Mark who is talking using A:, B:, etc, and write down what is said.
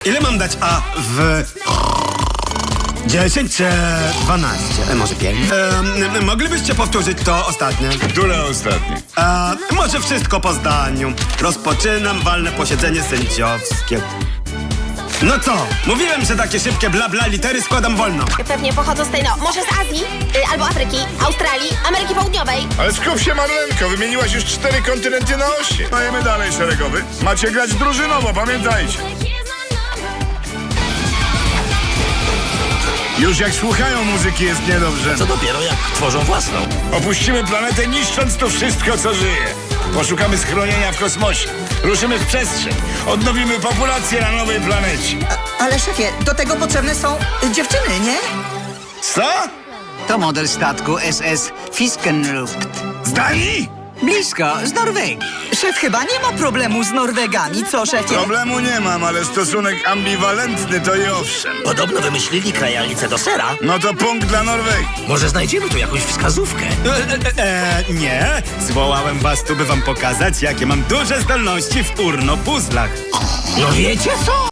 A: Ile mam dać A w 10 czy 12? Może 5? Moglibyście powtórzyć to ostatnie?
B: Które ostatnie?
A: Może wszystko po zdaniu. Rozpoczynam walne posiedzenie sędziowskie. No co? Mówiłem, że takie szybkie bla bla litery składam wolno.
C: Pewnie pochodzą z tej, może z Azji, albo Afryki, Australii, Ameryki Południowej.
B: Ale skup się, Marlenko, wymieniłaś już 4 kontynenty na 8. Dajemy dalej, szeregowy. Macie grać drużynowo, pamiętajcie. Już jak słuchają muzyki, jest niedobrze.
D: Co dopiero jak tworzą własną.
B: Opuścimy planetę, niszcząc tu wszystko, co żyje. Poszukamy schronienia w kosmosie. Ruszymy w przestrzeń. Odnowimy populację na nowej planecie.
E: Ale szefie, do tego potrzebne są dziewczyny, nie?
B: Co?
F: To model statku SS Fiskenluft.
B: Z Danii?
F: Blisko, z Norwegii.
E: Szef chyba nie ma problemu z Norwegami, co szefie?
B: Problemu nie mam, ale stosunek ambiwalentny to i owszem.
D: Podobno wymyślili krajalnicę do sera.
B: No to punkt dla Norwegii.
D: Może znajdziemy tu jakąś wskazówkę.
A: Nie. Zwołałem was tu, by wam pokazać, jakie mam duże zdolności w urno-puzzlach.
D: No wiecie co?